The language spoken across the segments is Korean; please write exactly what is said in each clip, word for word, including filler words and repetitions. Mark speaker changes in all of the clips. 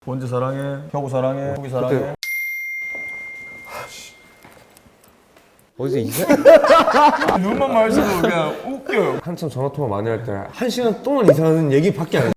Speaker 1: 원지 사랑해, 혁우 사랑해, 후기 사랑해.
Speaker 2: 그때... 어디서 이사?
Speaker 1: 눈만 마주쳐도 그냥 웃겨요.
Speaker 2: 한참 전화통화 많이 할 때 한 시간 동안 이상한 얘기밖에 안 해.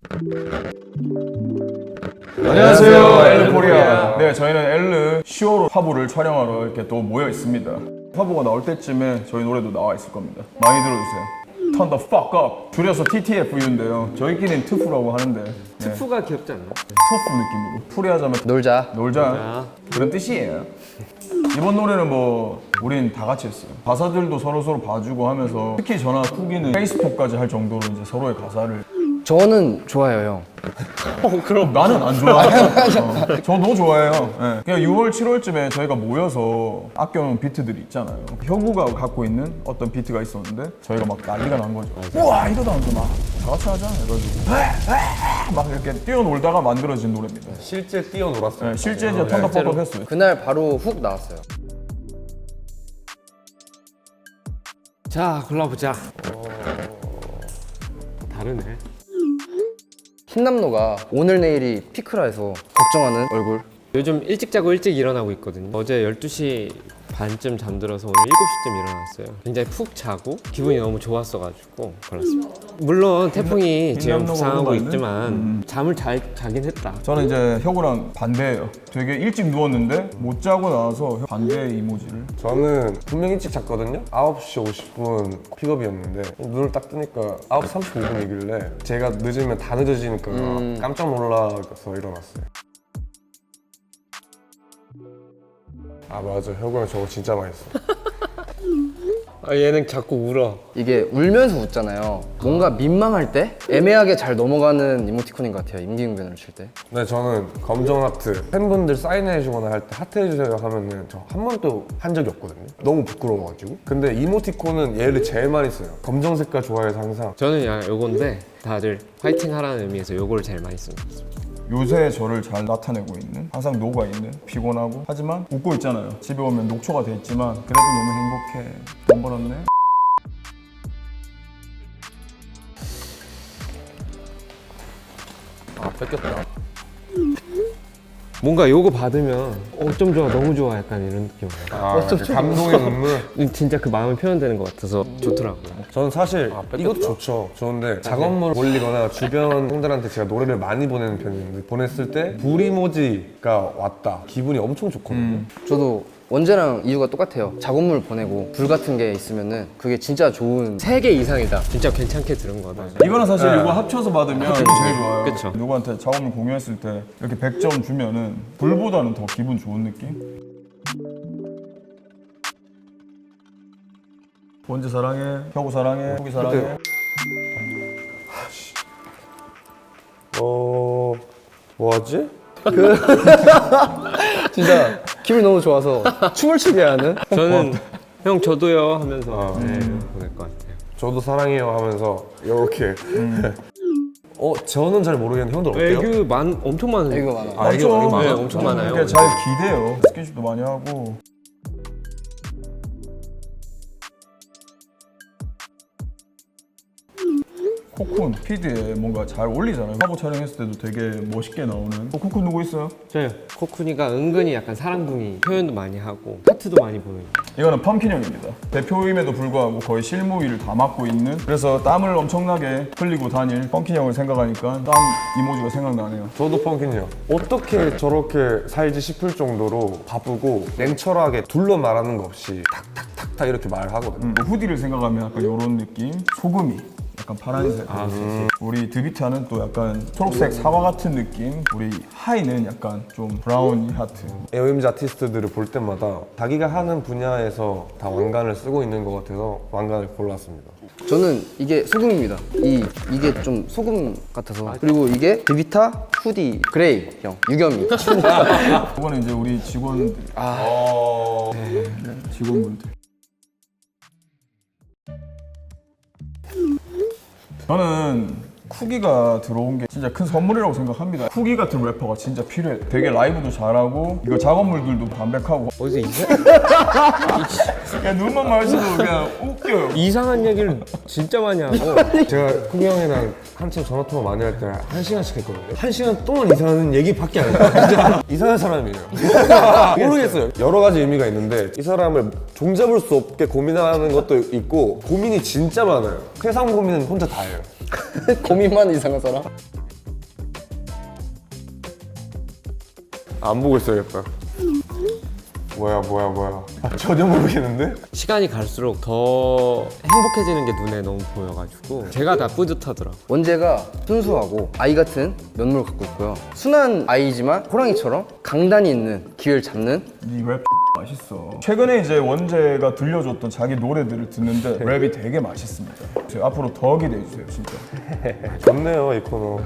Speaker 1: 안녕하세요, 엘르 코리아. 네, 저희는 엘르 시오로 화보를 촬영하러 이렇게 또 모여 있습니다. 화보가 나올 때쯤에 저희 노래도 나와 있을 겁니다. 많이 들어주세요. Turn the fuck up. 줄여서 티티에프유인데요. 저희끼리는 트프라고 하는데. 네.
Speaker 2: 트프가 귀엽지 않나?
Speaker 1: 터프 느낌으로. 풀이하자면
Speaker 3: 놀자.
Speaker 1: 놀자.
Speaker 2: 놀자.
Speaker 1: 그런 뜻이에요. 이번 노래는 뭐 우린 다 같이 했어요. 가사들도 서로 서로 봐주고 하면서 특히 저나 쿠기는 페이스톡까지 할 정도로 이제 서로의 가사를.
Speaker 3: 저는 좋아요, 형.
Speaker 1: 어, 그럼 나는 안 좋아해요. 어, 저도 좋아해요. 네. 그냥 유월, 칠월쯤에 저희가 모여서 아껴놓은 비트들이 있잖아요. 혁우가 갖고 있는 어떤 비트가 있었는데 저희가 막 난리가 난 거죠. 우와 이러다 하면서 막 다 같이 하자 해가지고 막 이렇게 뛰어놀다가 만들어진 노래입니다.
Speaker 2: 실제 뛰어놀았어요.
Speaker 1: 네, 실제 이제 턴더 팝업 했어요.
Speaker 3: 그날 바로 훅 나왔어요.
Speaker 2: 자, 골라보자. 어... 다르네.
Speaker 3: 흰남노가 오늘 내일이 피크라 해서 걱정하는 얼굴.
Speaker 4: 요즘 일찍 자고 일찍 일어나고 있거든요. 어제 열두 시 반쯤 잠들어서 오늘 일곱 시쯤 일어났어요. 굉장히 푹 자고 기분이 너무 좋았어가지고 골랐습니다. 물론 태풍이 지금
Speaker 1: 흰남노가
Speaker 4: 부상하고
Speaker 1: 오는
Speaker 4: 있지만
Speaker 1: 음.
Speaker 4: 잠을 잘 자긴 했다.
Speaker 1: 저는 이제 혁우랑 반대예요. 되게 일찍 누웠는데 못 자고 나와서 반대 이모지를.
Speaker 2: 저는 분명 일찍 잤거든요. 아홉 시 오십 분 픽업이었는데 눈을 딱 뜨니까 아홉 시 삼십오 분이길래 제가 늦으면 다 늦어지니까
Speaker 3: 음.
Speaker 2: 깜짝 놀라서 일어났어요. 아 맞아, 혁우 형 저거 진짜 많이 써.
Speaker 4: 아, 얘는 자꾸 울어.
Speaker 3: 이게 울면서 웃잖아요. 뭔가 민망할 때 애매하게 잘 넘어가는 이모티콘인 것 같아요. 임기응변을 칠 때.
Speaker 2: 네, 저는 검정 하트 팬분들 사인해주거나 할 때 하트 해주세요 하면은 저 한 번도 한 적이 없거든요. 너무 부끄러워가지고. 근데 이모티콘은 얘를 제일 많이 써요. 검정 색깔 좋아해서 항상.
Speaker 4: 저는 야 요건데 다들 파이팅 하라는 의미에서 요거를 제일 많이 씁니다.
Speaker 1: 요새 저를 잘 나타내고 있는, 항상 녹아있는, 피곤하고 하지만 웃고 있잖아요. 집에 오면 녹초가 돼 있지만 그래도 너무 행복해. 돈 벌었네.
Speaker 2: 아 뺏겼다.
Speaker 4: 뭔가 요거 받으면 어쩜 좋아, 너무 좋아 약간 이런 느낌.
Speaker 2: 아 그 감동의 눈물.
Speaker 4: 진짜 그 마음이 표현되는 것 같아서 좋더라고요.
Speaker 2: 저는 사실 이것도 좋죠. 좋은데 작업물 올리거나 주변 형들한테 제가 노래를 많이 보내는 편인데 보냈을 때 불 이모지가 왔다. 기분이 엄청 좋거든요.
Speaker 1: 음.
Speaker 3: 저도 원재랑 이유가 똑같아요. 작업물 보내고 불 같은 게 있으면은 그게 진짜 좋은 세 개 이상이다.
Speaker 4: 진짜 괜찮게 들은 거다.
Speaker 1: 이거는 사실
Speaker 2: 네.
Speaker 1: 이거 합쳐서 받으면 기분이 제일 좋아요.
Speaker 4: 그쵸.
Speaker 1: 누구한테 작업물 공유했을 때 이렇게 백 점 주면은 불보다는 더 기분 좋은 느낌? 원지 사랑해, 혁우 사랑해, 후기 사랑해.
Speaker 2: 그때- 어... 뭐하지?
Speaker 3: 진짜 기분이 너무 좋아서 춤을 추게 하는.
Speaker 4: 저는 형 저도요 하면서
Speaker 2: 어.
Speaker 4: 네, 보낼 것 같아요.
Speaker 2: 저도 사랑해요 하면서 이렇게. 어, 저는 잘 모르겠는데 형들 어때요?
Speaker 4: 애교 많 엄청 많은.
Speaker 3: 애교 많아.
Speaker 2: 아, 애교 많이
Speaker 4: 네,
Speaker 2: 많아?
Speaker 4: 엄청
Speaker 1: 저는
Speaker 4: 많아요.
Speaker 1: 이렇게 잘 기대요. 스킨십도 많이 하고. 코쿤 피드에 뭔가 잘 어울리잖아요. 화보 촬영했을 때도 되게 멋있게 나오는. 어, 코쿤 누구 있어요?
Speaker 4: 저요. 코쿤이가 은근히 약간 사랑둥이 표현도 많이 하고 하트도 많이 보여요.
Speaker 1: 이거는 펌킨 형입니다. 대표임에도 불구하고 거의 실무위를 다 맡고 있는, 그래서 땀을 엄청나게 흘리고 다닐 펌킨 형을 생각하니까 땀 이모지가 생각나네요.
Speaker 2: 저도 펑킨이요. 어떻게 저렇게 살지 싶을 정도로 바쁘고 냉철하게 둘러 말하는 거 없이 탁탁탁탁 이렇게 말하거든요.
Speaker 1: 음, 후디를 생각하면 약간 이런 느낌. 소금이 약간 파란색.
Speaker 4: 아,
Speaker 1: 음. 우리 드비타는 또 약간 초록색 사과 같은 느낌. 우리 하이는 약간 좀 브라우니 하트.
Speaker 2: 에오엠지 아티스트들을 볼 때마다 자기가 하는 분야에서 다 왕관을 쓰고 있는 것 같아서 왕관을 골랐습니다.
Speaker 3: 저는 이게 소금입니다. 이 이게 좀 소금 같아서. 그리고 이게 드비타 후디 그레이 형 유겸이.
Speaker 1: 이거는 이제 우리 직원들.
Speaker 2: 어...
Speaker 1: 네, 직원분들. 저는 쿠기가 들어온 게 진짜 큰 선물이라고 생각합니다. 쿠기 같은 래퍼가 진짜 필요해. 되게 라이브도 잘하고 이거 작업물들도 담백하고
Speaker 4: 어디서 이상,
Speaker 1: 그냥 눈만 마주쳐도 그냥 웃겨요.
Speaker 4: 이상한 얘기를 진짜 많이 하고.
Speaker 2: 제가 쿠기 형이랑 한참 전화통화 많이 할 때 한 시간씩 했거든요. 한 시간 동안 이상한 얘기밖에 안 해요. 진짜 이상한 사람이에요. 모르겠어요. 여러 가지 의미가 있는데 이 사람을 종잡을 수 없게 고민하는 것도 있고 고민이 진짜 많아요. 세상 고민은 혼자 다 해요.
Speaker 3: 고민만 이상한 사람?
Speaker 2: 안 보고 있어야겠다. 뭐야 뭐야 뭐야. 아, 전혀 모르겠는데?
Speaker 4: 시간이 갈수록 더 행복해지는 게 눈에 너무 보여가지고 제가 다 뿌듯하더라고요.
Speaker 3: 원재가 순수하고 아이 같은 면모를 갖고 있고요. 순한 아이지만 호랑이처럼 강단이 있는 기회를 잡는
Speaker 1: 이 랩 맛있어. 최근에 이제 원재가 들려줬던 자기 노래들을 듣는데 랩이 되게 맛있습니다. 앞으로 더 기대해 주세요, 진짜.
Speaker 2: 좋네요 이 코너.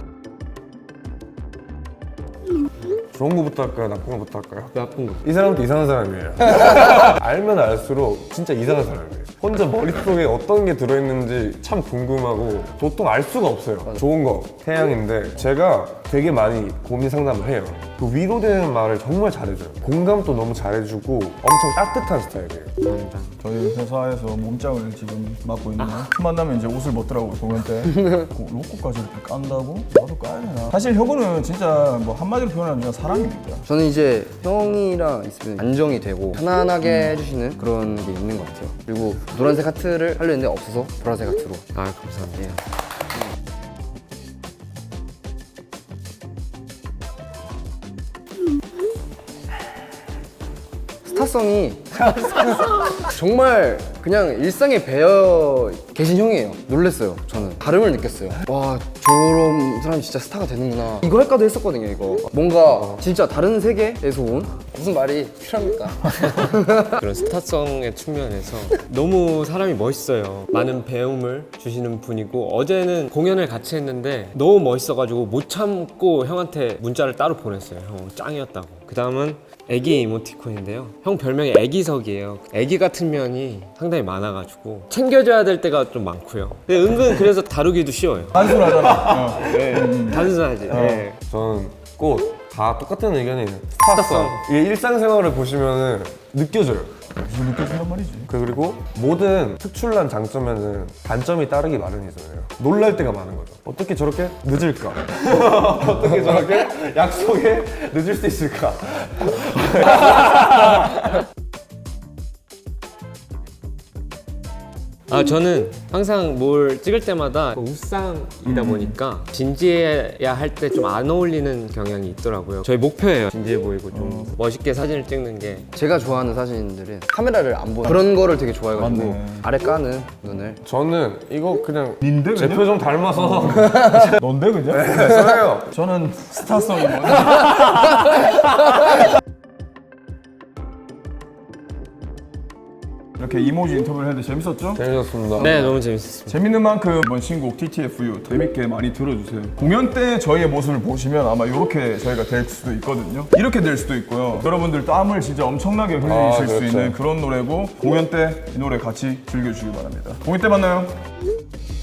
Speaker 2: 좋은 거부터 할까요? 나쁜 거부터 할까요?
Speaker 4: 나쁜 거.
Speaker 2: 이 사람도 이상한 사람이에요. 알면 알수록 진짜 이상한 사람이에요. 혼자 머릿속에 어떤 게 들어있는지 참 궁금하고 보통 알 수가 없어요. 좋은 거, 태양인데 제가 되게 많이 고민 상담을 해요. 그 위로되는 말을 정말 잘해줘요. 공감도 너무 잘해주고 엄청 따뜻한 스타일이에요.
Speaker 1: 저희 회사에서 몸짱을 지금 맡고 있는 틈 만나면 이제 옷을 벗더라고요, 공연 때. 그 로고까지 이렇게 깐다고? 나도 까야 되나? 사실 혁우는 진짜 뭐 한마디로 표현하면 그냥 사람입니다.
Speaker 3: 저는 이제 형이랑 있으면 안정이 되고 편안하게 해주시는 그런 게 있는 것 같아요. 그리고 노란색 하트를 하려 했는데 없어서 보라색 하트로.
Speaker 4: 아, 감사합니다.
Speaker 3: 예. 스타성이 정말 그냥 일상에 배어 계신 형이에요. 놀랬어요. 저는 다름을 느꼈어요. 와, 저런 사람이 진짜 스타가 되는구나. 이거 할까도 했었거든요. 이거 뭔가 진짜 다른 세계에서 온 무슨 말이 필요합니까?
Speaker 4: 그런 스타성의 측면에서 너무 사람이 멋있어요. 많은 배움을 주시는 분이고 어제는 공연을 같이 했는데 너무 멋있어가지고 못 참고 형한테 문자를 따로 보냈어요. 형 짱이었다고. 그 다음은 애기 이모티콘인데요. 형 별명이 애기석이에요. 애기 같은 면이 상당히 많아가지고 챙겨줘야 될 때가 좀 많고요. 근데 은근 그래서 다루기도 쉬워요.
Speaker 1: 단순하잖아. 어.
Speaker 4: 단순하지. 네.
Speaker 2: 저는 꼭 다 똑같은 의견이 있는 스타성. 이게 일상생활을 보시면은 느껴져요.
Speaker 1: 무슨 느껴진단 말이지?
Speaker 2: 그리고 모든 특출난 장점에는 단점이 따르기 마련이잖아요. 놀랄 때가 많은 거죠. 어떻게 저렇게 늦을까? 어떻게 저렇게 약속에 늦을 수 있을까?
Speaker 4: 아, 저는 항상 뭘 찍을 때마다 웃상이다 보니까 진지해야 할 때 좀 안 어울리는 경향이 있더라고요. 저희 목표예요. 진지해 보이고 좀 멋있게 사진을 찍는 게.
Speaker 3: 제가 좋아하는 사진들은 카메라를 안 보는 그런 거를 되게 좋아해가지고
Speaker 1: 맞네.
Speaker 3: 아래 까는 눈을.
Speaker 2: 저는 이거 그냥
Speaker 1: 닌데
Speaker 2: 제
Speaker 1: 그냥?
Speaker 2: 표정 닮아서
Speaker 1: 넌데 그냥?
Speaker 2: 써요.
Speaker 1: 저는 스타성이 뭐냐? 이렇게 이모지 인터뷰를 했는데 재밌었죠?
Speaker 2: 재밌었습니다.
Speaker 4: 네, 너무 재밌었습니다.
Speaker 1: 재밌는 만큼 이번 신곡 티티에프유 재밌게 많이 들어주세요. 공연 때 저희의 모습을 보시면 아마 이렇게 저희가 될 수도 있거든요. 이렇게 될 수도 있고요. 여러분들 땀을 진짜 엄청나게 흘리실
Speaker 2: 아,
Speaker 1: 수
Speaker 2: 그렇죠.
Speaker 1: 있는 그런 노래고 공연 때 이 노래 같이 즐겨주시기 바랍니다. 공연 때 만나요.